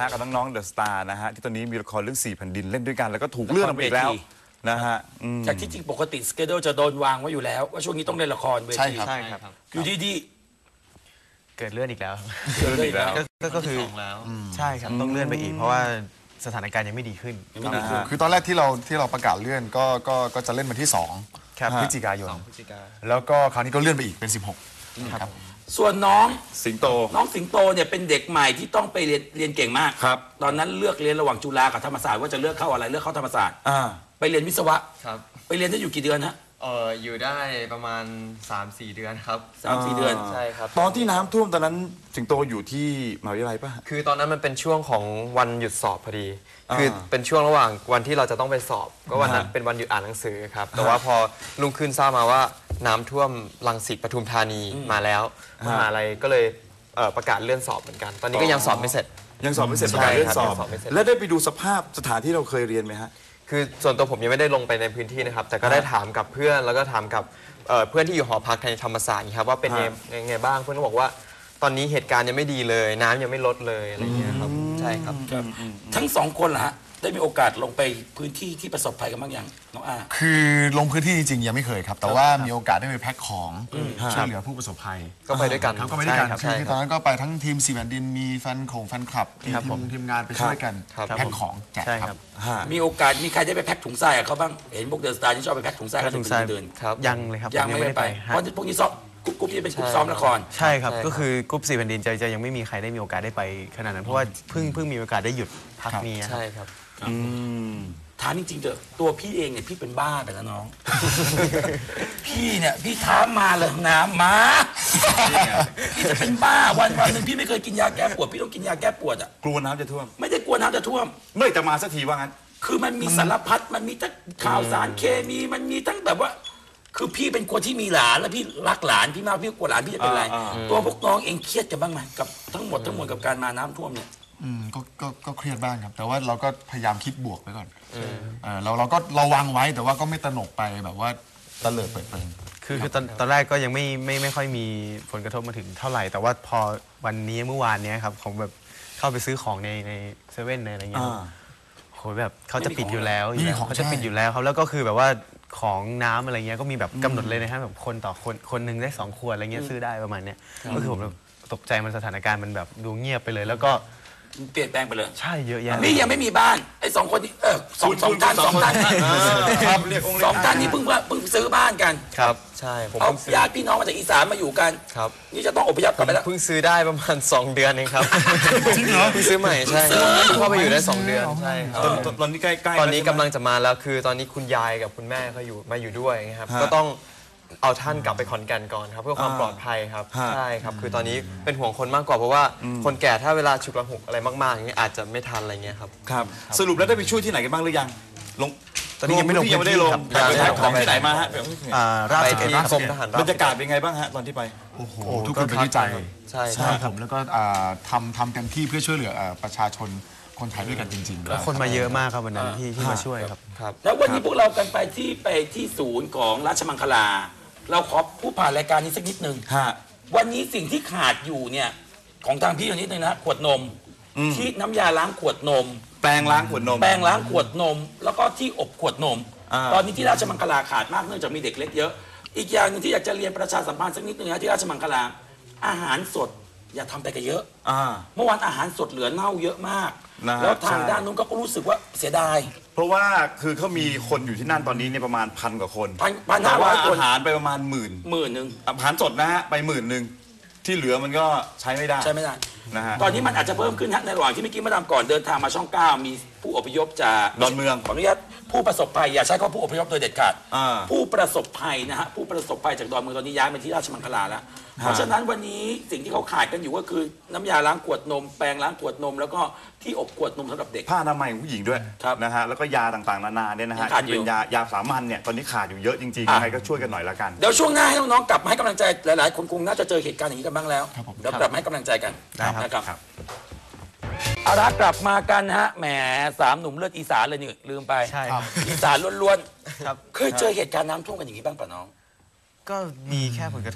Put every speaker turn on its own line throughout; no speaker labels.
ฮะกับน้องๆเดอะสตาร์นะฮะที่ตอนนี้มีละครเรื่อง4 แผ่นดินเล่นด้วยกันแล้วก็ถูกเลื่อนออกไปอีกแล้วนะฮะ
จากที่จริงปกติสเกจจะโดนวางไว้อยู่แล้วว่าช่วงนี้ต้องเล่นละครเวที
ใช่ครับ
อยู่ดี
เกิดเลื่อนอีกแล้ว
ๆเกิดเลยแล้ว
ก็คือใช่ครับต้องเลื่อนไปอีกเพราะว่าสถานการณ์ยังไม่ดีขึ้น
คือตอนแรกที่เราประกาศเลื่อนก็จะเล่นวันที่2
ครับ
พฤศจิกายนแล้วก็คราวนี้ก็เลื่อนไปอีกเป็น16ครับ
ส่วนน้อง
สิงโต
เนี่ยเป็นเด็กใหม่ที่ต้องไปเรียนเก่งมาก
ครับ
ตอนนั้นเลือกเรียนระหว่างจุฬากับธรรมศาสตร์ว่าจะเลือกเข้าอะไรเลือกเข้าธรรมศาสตร์ไปเรียนวิศวะ
ครับ
ไปเรียนได้อยู่กี่เดือนฮะ
อยู่ได้ประมาณ 3-4 เดือนครับ
3-4 เดือน
ใช่ครับ
ตอนที่น้ำท่วมตอนนั้นสิงโตอยู่ที่มหาวิทยาลัยป่ะ
คือตอนนั้นมันเป็นช่วงของวันหยุดสอบพอดีคือเป็นช่วงระหว่างวันที่เราจะต้องไปสอบก็วันนั้นเป็นวันหยุดอ่านหนังสือครับแต่ว่าพอลุงขึ้นทราบมาว่าน้ำท่วมรังสิตปทุมธานีมาแล้วมหาลัยก็เลยประกาศเลื่อนสอบเหมือนกันตอนนี้ก็ยังสอบไม่เสร็จ
ยังสอบไม่เสร็จประกาศเลื่อนสอบ
ยังสอบไม่เสร็จ
แล้วได้ไปดูสภาพสถานที่เราเคยเรียนไหมฮะ
คือส่วนตัวผมยังไม่ได้ลงไปในพื้นที่นะครับแต่ก็ได้ถามกับเพื่อนแล้วก็ถามกับเพื่อนที่อยู่หอพักในธรรมศาสตร์ครับว่าเป็นยังไงบ้างเพื่อนก็บอกว่าตอนนี้เหตุการณ์ยังไม่ดีเลยน้ำยังไม่ลดเลยอะไรอย่างเงี้ยครับใช่ครับ
ทั้งสองคนเหรอฮะได้มีโอกาสลงไปพื้นที่ที่ประสบภัยกันบ้างยังน้องอา
คือลงพื้นที่จริงๆยังไม่เคยครับแต่ว่ามีโอกาสได้ไปแพ็คของช่วยเหลือผู้ประสบภัย
ก็ไปด้วยกัน
ก็ไปด้วยกันคือตอนนั้นก็ไปทั้งทีม4 แผ่นดินมีแฟนคลับทีมงานไปช่วยกันแพ็คของแจกครับ
มีโอกาสมีใครได้ไปแพ็คถุงทรายกับเขาบ้างเห็นพวกเดอะสตาร์ที่ชอบไปแพ็คถุงทรายกันเดิน
ยังเลยครับ
ยังไม่ได้ไปเพราะพวกนี้ซ้อมกรุ๊ปที่เป็นกรุ๊ปซ้อมละคร
ใช่ครับก็คือกรุ๊ป4 แผ่นดินจะยังไม่มีใครได้มีโอกาสได้ไปขนาดนั้นเพราะว่าเพิ่งมีโอกาสได้หยุดพักนี้
ใช่ครับ
ถามจริงๆเถอะตัวพี่เองเนี่ยพี่เป็นบ้าไปแล้วน้อง พี่เนี่ยพี่ท้ามาเลยน้ำมาพี่จะเป็นบ้าวันหนึ่งพี่ไม่เคยกินยาแก้ปวดพี่ต้องกินยาแก้ปวดอ่ะ
กลัวน้ำจะท่วม
ไม่ได้กลัวน้ำจะท่วม
เมื่อจะมาสักทีว่างั้น
คือมันมีสารพัดมันมีทั้งข่าวสารเคมีมันมีทั้งแบบว่าคือพี่เป็นคนที่มีหลานแล้วพี่รักหลานพี่มากพี่กลัวหลานพี่จะเป็นไรตัวพวกน้องเองเครียดกันบ้างไหมกับทั้งหมดกับการมาน้ำท่วมเนี่ย
ก็เครียดบ้างครับแต่ว่าเราก็พยายามคิดบวกไว้ก่อนเราก็ระวังไว้แต่ว่าก็ไม่ตระหนกไปแบบว่าตะเลิดเปิดเผย
คือตอนแรกก็ยังไม่ค่อยมีผลกระทบมาถึงเท่าไหร่แต่ว่าพอวันนี้เมื่อวานนี้ครับของแบบเข้าไปซื้อของในเซเว่นในอะไรเงี้ยโหแบบเขาจะปิดอยู่แล้วเขาจะปิดอยู่แล้วครับแล้วก็คือแบบว่าของน้ำอะไรเงี้ยก็มีแบบกำหนดเลยนะครับแบบคนต่อคนหนึ่งได้2 ขวดอะไรเงี้ยซื้อได้ประมาณเนี้ยก็คือผมตกใจมันสถานการณ์มันแบบดูเงียบไปเลยแล้วก็
เปลี่ยนแปลงไปเลย
ใช่เยอะแยะ
นี่ยังไม่มีบ้านไอ้2 คนนี้สองท่าน
ครับเรียกองค์
สองท่านนี้เพิ่งซื้อบ้านกัน
ครับใช่ผม
เอาญาติพี่น้องมาจากอีสานมาอยู่กัน
ครับ
นี่จะต้องอพยพกลับไปแล้ว
เพิ่งซื้อได้ประมาณ2 เดือนเองครับ
จริงเหรอ
เพิ่งซื้อใหม่ใช่เข้าไปอยู่ได้2 เดือนใช่ครับ
ตอนนี้ใกล้
ตอนนี้กำลังจะมาแล้วคือตอนนี้คุณยายกับคุณแม่เขามาอยู่ด้วยครับก็ต้องเอาท่านกลับไปขอนแก่นก่อนครับเพื่อความปลอดภัยครับใช่ครับคือตอนนี้เป็นห่วงคนมากกว่าเพราะว่าคนแก่ถ้าเวลาฉุกละหุกอะไรมากๆอย่างเงี้ยอาจจะไม่ทันอะไรเงี้ยครับ
ครับสรุปแล้วได้ไปช่วยที่ไหนกันบ้างหรือยังลง
ตอนนี้ยังไม่ได้ลง
ไปขายของที่ไหนมาฮะ
ไปที่กรมทหาร
บรรยากาศเป็นไงบ้างฮะตอนที่ไป
โอ้โหทุกคนเป็นที่ใจ
ใช่
ผมแล้วก็ทำเต็มที่เพื่อช่วยเหลือประชาชนคนไทยด้วยกันจริง
ๆคนมาเยอะมากครับวันนั้นที่มาช่วยครับ
แล้ววันนี้พวกเรากันไปที่ศูนย์ของราชมังคลาเราขอพูดผ่านรายการนี้สักนิดนึงวันนี้สิ่งที่ขาดอยู่เนี่ยของทางพี่นิดนึงนะขวดนมที่น้ำยาล้างขวดนม
แปรงล้างขวดนม
แล้วก็ที่อบขวดนมตอนนี้ที่ราชมังคลาขาดมากเนื่องจากมีเด็กเล็กเยอะอีกอย่างนึงที่อยากจะเรียนประชาสัมพันธ์สักนิดนึงนะที่ราชมังคลาอาหารสดอย่าทำไปกันเยอะเมื่อวานอาหารสดเหลือเน่าเยอะมากแล้วทางด้านนู้นก็รู้สึกว่าเสียดาย
เพราะว่าคือเขามีคนอยู่ที่นั่นตอนนี้เนี่ยประมาณ1,000 กว่าคน
1,500 คน
อาหารไปประมาณ10,000
นึง
อาหารสดนะฮะไป10,000ที่เหลือมันก็ใช้ไม่ได้นะฮะ
ตอนนี้มันอาจจะเพิ่มขึ้นฮะในระหว่างที่เมื่อกี้มาดามก่อนเดินทางมาช่อง 9มีผู้อพยพจาก
ดอนเมือง
ขออนุญาตผู้ประสบภัยอย่าใช้คำว่าผู้อพยพโดยเด็ดขาดผู้ประสบภัยนะฮะผู้ประสบภัยจากดอนเมืองตอนนี้ย้ายมาที่ราชมังคลาแล้วเพราะฉะนั้นวันนี้สิ่งที่เขาขาดกันอยู่ก็คือน้ำยาล้างขวดนมแปรงล้างขวดนมแล้วก็ที่อบขวดนมสำหรับเด็ก
ผ้าอนามัยของผู้หญิงด้วยนะฮะแล้วก็ยาต่างๆนานาเนี่ยนะฮะที่เป็นยาสามัญเนี่ยตอนนี้ขาดอยู่เยอะจริงๆยังไงก็ช่วยกันหน่อยละกัน
เดี๋ยวช่วงหน้าให้น้องๆกลับมาให้กำลังใจหลายๆคนคงน่าจะเจอเหตุการณ์อย่างนี้กันบ้างแล้วเดี๋ยวกลับมาให้กำลังใจกันนะครับเอาละกลับมากันฮะแหม3 หนุ่มเลือดอีสานเลยนี่ลืมไป
ใช่
อีสานล้วนๆเคยเจอเหตุการณ์น้ำท่วมกันอย่างนี้บ้างป่ะน้อง
ก็มีแค่ผลกระทบ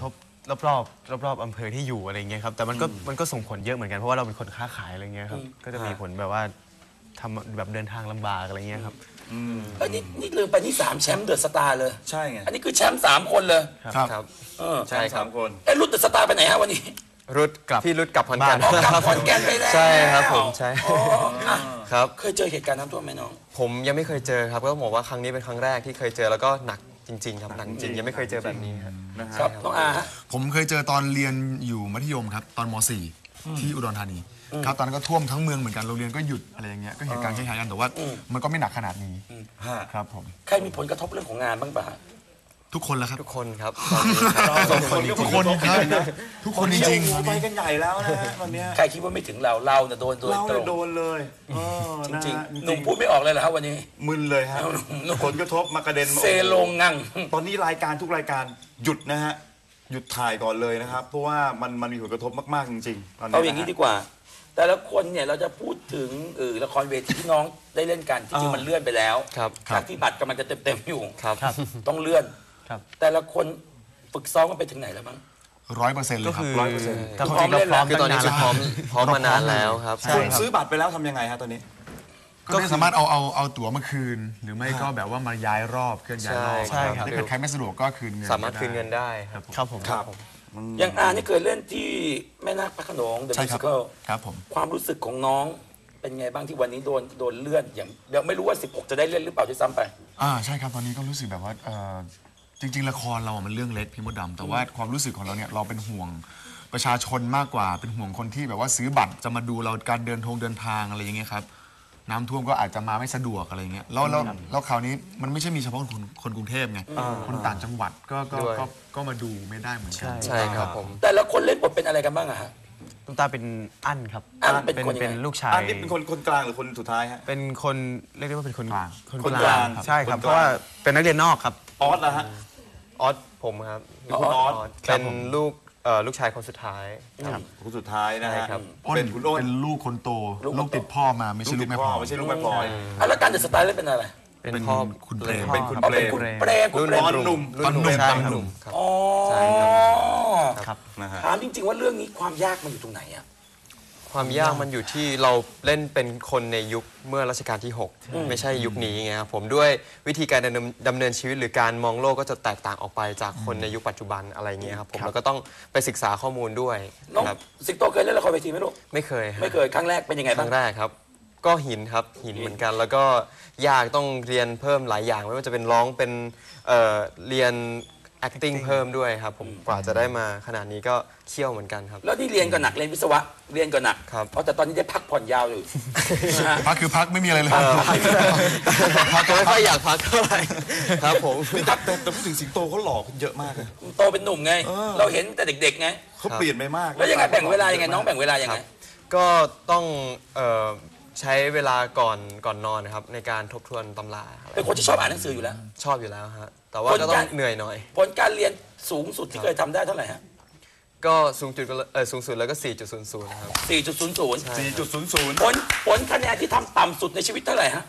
รอบอำเภอที่อยู่อะไรเงี้ยครับแต่มันก็ส่งผลเยอะเหมือนกันเพราะว่าเราเป็นคนค้าขายอะไรเงี้ยครับก็จะมีผลแบบว่าทำแบบเดินทางลำบากอะไรเงี้ยครับ
เอ้ยนี่ลืมไปนี่3แชมป์เดอะสตาร์เลย
ใช่ไง
อันนี้คือแชมป์3 คนเลย
ครับ
เออ
ใช่สามคน
ไอ้รุ่นเดอะสตาร์ไปไหนฮะวันนี้
รุดพี่รุดกลับขอนแก่น
ออกกลับขอนแก่นไปแล้ว
ใช่ครับผมใช่
อ๋ออ่ะ
ครับ
เคยเจอเหตุการณ์น้ำท่วมไหมน้อง
ผมยังไม่เคยเจอครับก็ต้องบอกว่าครั้งนี้เป็นครั้งแรกที่เคยเจอแล้วก็หนักจริงๆครับหนักจริงยังไม่เคยเจอแบบนี้ครับ
นะฮะ
ครับน้องอาฮะ
ผมเคยเจอตอนเรียนอยู่มัธยมครับตอนม .4 ที่อุดรธานีครับตอนนั้นก็ท่วมทั้งเมืองเหมือนกันโรงเรียนก็หยุดอะไรอย่างเงี้ยก็เหตุการณ์คล้ายๆกันแต่ว่ามันก็ไม่หนักขนาดนี้ครับผม
ใครมีผลกระทบเรื่องของงานบ้างปะฮะ
ทุกคนแล้วครับ
ทุกคนครับ
ทุกคนครับทุกคนจริง
ไปกันใหญ่แล้วนะฮะตอนเนี้ย
ใครคิดว่าไม่ถึงเราเนี่ยโดน
เรา
ตร
เนี่ย
ง
โดนเลย
จริง
นะฮะ
ๆหนุ่มพูดไม่ออกเลยเหรอครับวันนี้
มึนเลยฮะ
หนุ่ม
ผลกระทบมากระเด็นมา
เซโลงงัง
ตอนนี้รายการทุกรายการหยุดนะฮะหยุดถ่ายก่อนเลยนะครับ เพราะว่ามันมีผลกระทบมากๆจริงๆตอนนี้
เอาอย่างนี้ดีกว่า แต่ละคนเนี่ยเราจะพูดถึงละครเวทีที่น้องได้เล่นกันที่จริงมันเลื่อนไปแล้ว
ครับ
จากที่บัตรกำลังจะเต็มอยู่
ครับ
ต้องเลื่อน
ครับ
แต่ละคนฝึกซ้อมกันไปถึงไหนแล้วมั้ง
100%เล
ก็
ยครับ
คือ
100%
แต่ความจริงเราพร้อม
คือตอนนี้
ตั้ง
คือ
นา
พร้อมมานานแล้วครับ
ใช่
คุณ
ครับ
ซื้อบัตรไปแล้วทำยังไงฮะตอนนี้
ก็สามารถเอาตั๋วมาคืน หรือไม่ก็แบบว่ามาย้ายรอบเคลื่อนย้ายรอบ
ใช่ครับ
ถ้าเกิดใครไม่สะดวกก็คืนเงิน
สามารถคืนเงินได้ครับ
ครับผม
ครับ
อย่างอานี่เคยเล่นที่แม่นาคพระโขนง The
ใช่ครับ
Musical
ครับผม
ความรู้สึกของน้องเป็นไงบ้างที่วันนี้โดนเลื่อนอย่างเดี๋ยวไม่รู้ว่า 16 จะได้เล่นหรือเปล่าด้วยซ้ำไป
ใช่ครับตอนนี้ก็รู้สึกแบบว่าจริง ๆ ละครเราอะมันเรื่องเล็กพี่มดดำแต่ว่าความรู้สึกของเราเนี่ยเราเป็นห่วงประชาชนมากกว่าเป็นห่วงคนที่แบบว่าซื้อบัตรจะมาดูเราการเดินทางอะไรอย่างเงี้ยครับน้ำท่วมก็อาจจะมาไม่สะดวกอะไรเงี้ยแล้วคราวนี้มันไม่ใช่มีเฉพาะคนกรุงเทพไงคนต่างจังหวัดก็มาดูไม่ได้เหมือนกัน
ใช่ครับผม
แต่ละคนเล่นบทเป็นอะไรกันบ้างอะฮะ
ตุ้มตาเป็นอั้นครับ
อั้นเป็นคนยังไง
เป็นลูกชาย
อันนี้เป็นคนกลางหรือคนสุดท้ายฮะ
เป็นคนเรียกได้ว่าเป็นคน
กลาง
คน
คน
ก
ก
ลา
ลาง ง
ใช่ครับ
คนกลาง
เพราะว่าเป็นนักเรียนนอกครับ
ออสนะฮะ
ออสผมครับ
คุณออส
เป็นลูกชายคนสุดท้าย
คนสุดท้ายนะ
ใช่
ฮะ
ครับ
เป็นคุณอ้น
เป็นลูกคนโต
ลูกคนโต
ลูกติดพ่อมาไม่ใช่ลูกแม่พ่อ
ไม่ใช่ลูกแม่พลอย
แล้วการเดอะสไตล์เล่นเป็นอะไร
เป็นพ่อ
คุณเปรม
เป็นคุณ
อ๋อ
เปร
เป็น
ม
คุณเปรมคุณเปรม
ตอนหนุ่ม
ตอนหนุ่ม
ใช่
ตอน
ครับ
หนุ่ม
ครับ
อ๋อ
ใช่ครับ
ครับ
นะฮะ
ถามจริง ๆ ว่าเรื่องนี้ความยากมันอยู่ตรงไหนอะ
ความยากมันอยู่ที่เราเล่นเป็นคนในยุคเมื่อรัชกาลที่ 6 ไม่ใช่ยุคนี้ไงครับผมด้วยวิธีการดำเนินชีวิตหรือการมองโลกก็จะแตกต่างออกไปจากคนในยุคปัจจุบันอะไรเงี้ยครับผมแล้วก็ต้องไปศึกษาข้อมูลด้วย
น้อง
ครับ
สิงโตเคยเล่นละครเวทีไหมลูก
ไม่เคยครับ
ไม่เคยครั้งแรกเป็นยังไง
ค
บ้า
รั้
ง
งแรกครับ ก็หินครับหินเหมือนกัน แล้วก็ยากต้องเรียนเพิ่มหลายอย่างไม่ว่าจะเป็นร้องเป็นเรียน acting เพิ่มด้วยครับผมกว่าจะได้มาขนาดนี้ก็เคี่ยวเหมือนกันครับ
แล้วนี่เรียนก็หนักเรียนวิศวะเรียนก็หนัก
ครับ
เพราะแต่ตอนนี้ได้พักผ่อนยาวอยู่นะฮะ
พักคือพักไม่มีอะไรเลย
พักก็ไม่ค่อยอยากพักเท่าไหร่ครับผม
แต่พูดถึงสิงโตเขาหล่อขึ้นเยอะมากเลย
โตเป็นหนุ่มไง เราเห็นแต่เด็กๆไง
เขาเปลี่ยนไปมาก
แล้วยังไงแบ่งเวลายังไงน้องแบ่งเวลายังไง
ก็ต้องใช้เวลาก่อนนอนนะครับในการทบทวนตำราอะไร
เป็นคนที่ชอบอ่านหนังสืออยู่แล้ว
ชอบอยู่แล้วฮะแต่ว่าก็ต้องเหนื่อยหน่อย
ผลการเรียนสูงสุดที่เคยทำได้เท่าไหร่ฮะ
ก็สูงสุดแล้วก็ 4.00 นะครับ
4.00
4.00
ผลคะแนนที่ทำต่ำสุดในชีวิตเท่าไหร่ฮะ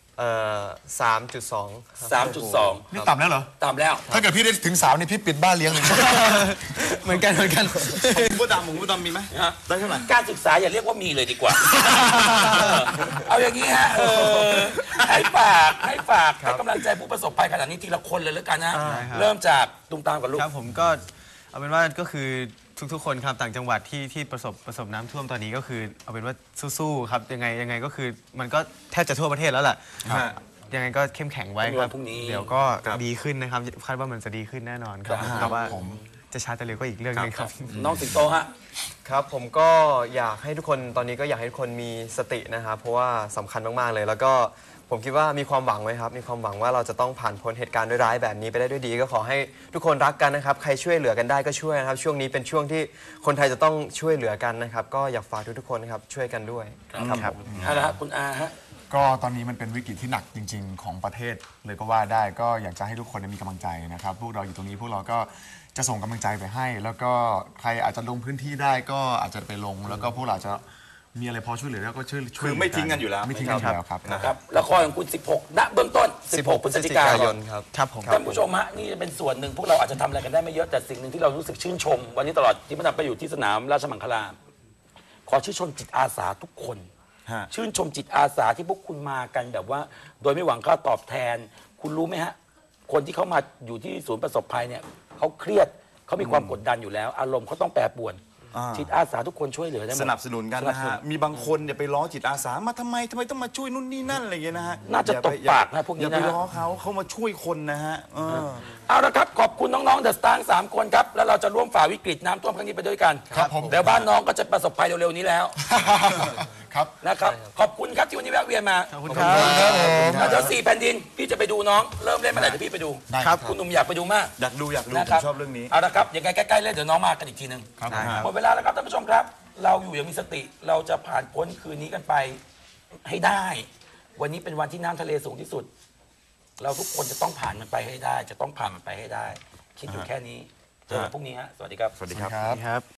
3.2 ครับ
3.2
นี่ต่ำแล้วเหรอ
ต่ำแล้ว
ถ้าเกิดพี่ได้ถึง3นี่พี่ปิดบ้านเลี้ยงเลย
เหมือนกัน
ผมก็ดำมีไหม
ฮะ
ได้เท่าไหร่
การศึกษาอย่าเรียกว่ามีเลยดีกว่า เอาอย่างนี้ฮะให้ฝากให้กำลังใจผู้ประสบภัยขนาดนี้ทีละคนเลยแล้วกันนะ เริ่มจากตุ้มตามกับลูก
ครับผมก็เอาเป็นว่าก็คือทุกๆคนครับต่างจังหวัดที่ประสบน้ำท่วมตอนนี้ก็คือเอาเป็นว่าสู้ๆครับยังไงก็คือมันก็แทบจะทั่วประเทศแล้วล่ะ
ฮะ
ยังไงก็เข้มแข็งไว้ครับ
พรุ่งนี้
เดี๋ยวก็
ครับ
ดีขึ้นนะครับคาดว่ามันจะดีขึ้นแน่นอนครับแต่ว่าจะช้าจะเร็วก็อีกเรื่องหนึงครับ
น้องสิงโตฮะ
ครับผมก็อยากให้ทุกคนตอนนี้ก็อยากให้ทุกคนมีสตินะครับเพราะว่าสำคัญมากๆเลย แล้วก็ผมคิดว่ามีความหวังไว้ครับมีความหวังว่าเราจะต้องผ่านพ้นเหตุการณ์ร้ายๆแบบนี้ไปได้ด้วยดี ก็ขอให้ทุกคนรักกันนะครับใครช่วยเหลือกันได้ก็ช่วยนะครับช่วงนี้เป็นช่วงที่คนไทยจะต้องช่วยเหลือกันนะครับก็อยากฝากทุกๆคนนะครับช่วยกันด้วยครับ
เอาละครับคุณอาฮะ
ก็ตอนนี้มันเป็นวิกฤตที่หนักจริง ๆ ของประเทศเลยก็ว่าได้ก็อยากจะให้ทุกคนมีกำลังใจนะครับพวกเราอยู่ตรงนี้พวกเราก็จะส่งกำลังใจไปให้ แล้วก็ใครอาจจะลงพื้นที่ได้ก็อาจจะไปลง แล้วก็พวกเราจะมีอะไรพอช่วยเหลือแล้วก็ช่วย
คือไม่ทิ้งกันอยู่แล้ว
ไม่ทิ้งกันอยู่แล้วครับ
นะครับละครของคุณ 16 ณ เบื้องต้น 16 พฤศจิกายน
ครับ
ครับผม
ท่านผู้ชมฮะนี่เป็นส่วนหนึ่งพวกเราอาจจะทำอะไรกันได้ไม่เยอะแต่สิ่งหนึ่งที่เรารู้สึกชื่นชม วันนี้ตลอดที่มันไปอยู่ที่สนามราชมังคลาขอชื่นชมจิตอาสาทุกคน
ฮะ
ชื่นชมจิตอาสาที่พวกคุณมากันแบบว่า โดยไม่หวังค่าตอบแทน คุณรู้ไหมฮะ คนที่เขามาอยู่ที่ศูนย์ประสบภัยเนี่ยเขาเครียดเขามีความกดดันอยู่แล้ว อารมณ์เขาต้องแปรปรวน จิตอาสาทุกคนช่วยเหลือได้หมด
สนับสนุนกันนะฮะ มีบางคนเนี่ยไปล้อจิตอาสามาทำไมต้องมาช่วยนู่นนี่นั่นอะไรอย่างเงี้ยนะฮะ
น่าจะตบปากนะพวกนี้
อย่าไป
นะฮะ
ล้อเขามาช่วยคนนะฮะ
เอาละครับขอบคุณน้องๆเดอะสตาร์3คนครับแล้วเราจะร่วมฝ่าวิกฤตน้ำท่วมครั้งนี้ไปด้วยกัน
ครับผม
เดี๋ยวบ้านน้องก็จะประสบภัยเร็วๆนี้แล้ว
ครับ
นะครับขอบคุณครับที่วันนี้แวะเวียนมา
ขอบคุณครับ
แล้วเดี๋ยว4 แผ่นดินพี่จะไปดูน้องเริ่มเล่นเมื่อไหร่เดี๋ยวพี่ไปดู
ได้ครับ
คุณหนุ่มอยากไปดูมาก
อยากดูผ
นะ
ม
ครับ
ชอบเรื่องนี้
เอาละครับยังไงใกล้ๆเล่นเดี๋ยวน้องมากันอีกทีหนึ่ง
ครับ
หมดเวลาแล้วครับท่านผู้ชมครับ เราอยู่อย่างมีสติเราจะผ่านพ้นคืนนี้กันไปให้ได้ วันนี้เป็นวันที่น้ำทะเลสูงที่สุด เราทุกคนจะต้องผ่านมันไปให้ได้ จะต้องผ่านมันไปให้ได้ คิดอยู่แค่นี้เจอกันพรุ่งนี้ฮะสวัสดีครับ
สวัสดีครับ
ครับ
ครับ